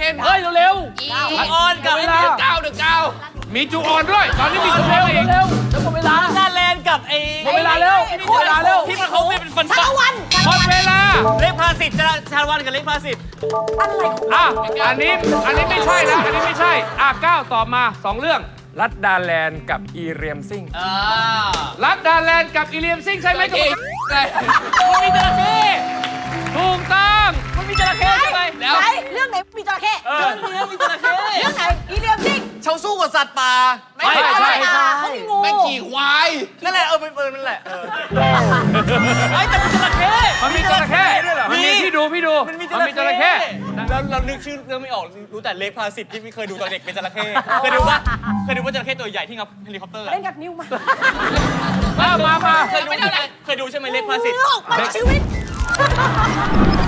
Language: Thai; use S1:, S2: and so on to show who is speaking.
S1: เป็น
S2: เฮ้ยเร็ว
S3: จูออนกับ
S2: เวลา
S1: เก้าเดือเก้ามีจูออนด้วย ตอนนี้มีจูอ
S2: เร็
S1: อ
S2: วน
S1: อีก
S2: เร็วจะหมดเวลา
S3: ดาแลนด์กับไอ้
S2: หมดเวลาเร็วหมดเวลาเร็ว
S3: ที่มันเขาเป็นฟัน
S4: ชาละวัน
S1: หมดเวลา
S3: เล็กพาสิทธิ์ชาละวันกับเล็กพาสิทธิ์
S4: อะไรของ
S1: อ่ะอันนี้ไม่ใช่แล้วอันนี้ไม่ใช่ก้าวตอบมา2เรื่องรัดดาแลนด์กับอีเรียมซิงรัดดาแลนด์กับอีเรียมซิงใช่ไหมครับมันมีจระเข้ถูกต้อง
S3: มันมีจระเข้ใช่ไหม
S1: แล้ว
S4: ไหนเรื่องไหนมีจระเข้
S3: เรื่องนี้มีจระเข้
S4: เรื่องไหนอีเลียมซิง
S3: เขาสู้กับสัตว์ป่า
S4: ไม่ใช่เขามีงู
S1: แม่งขี่ควาย
S3: นั่นแหละเป็นปืนนั่นแหละไอ้แต่มีจระเข้
S1: มันมีจระเข้ด้วยเหรอมันมีพี่ดูมันมีจระเข้
S3: เรานึกชื่อเรื่องไม่ออกรู้แต่เล็กพาสิทธิ์ที่ไม่เคยดูตอนเด็กเป็นจระเข้เคยดูว่าจระเข้ตัวใหญ่ที่งับเฮลิคอปเตอร์
S4: เล่นกับนิ้วมา
S1: มา
S3: เคยดูใช่ไหมเล็กพาสิทธิ์
S4: ออกมาจากชีวิต